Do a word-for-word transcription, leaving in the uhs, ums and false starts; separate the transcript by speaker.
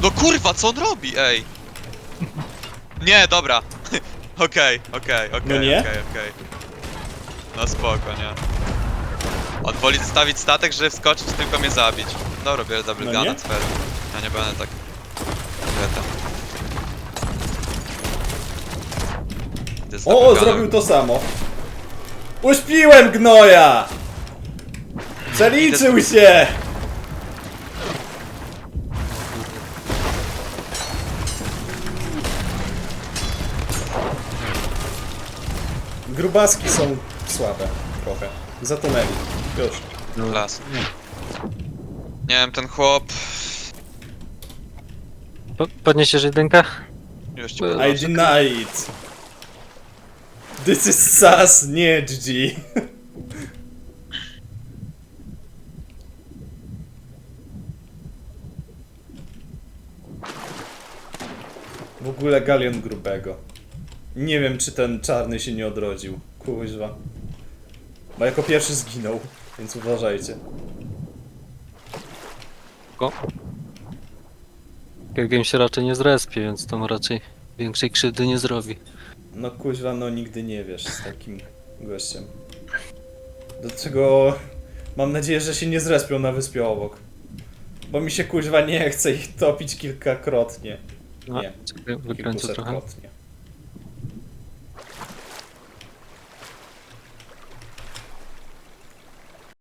Speaker 1: No kurwa, co on robi, ej? Nie, dobra. Okej, okej, okej,
Speaker 2: No nie?
Speaker 1: okej, okej. No spoko, nie? On woli zostawić statek, żeby wskoczyć, tylko mnie zabić. Dobra, biorę double
Speaker 2: No
Speaker 1: guna,
Speaker 2: nie?
Speaker 1: cwer. Ja nie będę tak... Beta. To jest double
Speaker 2: O,
Speaker 1: gunner.
Speaker 2: zrobił to samo. Uśpiłem gnoja! Przeliczył się! Grubaski są słabe trochę. Zatonęli. Już.
Speaker 1: Klas. Nie wiem, ten chłop...
Speaker 3: Po, podniesiesz jedynkę?
Speaker 1: Już ci
Speaker 3: I
Speaker 2: I
Speaker 1: podnoszę.
Speaker 2: deny it. This is sus, nie G G. W ogóle galion grubego. Nie wiem, czy ten czarny się nie odrodził. Kuźwa. Bo jako pierwszy zginął, więc uważajcie.
Speaker 3: Go. Game się raczej nie zrespi, więc tam raczej większej krzywdy nie zrobi.
Speaker 2: No kuźwa, no nigdy nie wiesz z takim gościem. Dlaczego mam nadzieję, że się nie zrespią na wyspie obok. Bo mi się kuźwa nie chce ich topić kilkakrotnie.
Speaker 3: No,
Speaker 2: Nie,
Speaker 3: czekaj, wykręcę trochę.
Speaker 2: kilkusetkrotnie.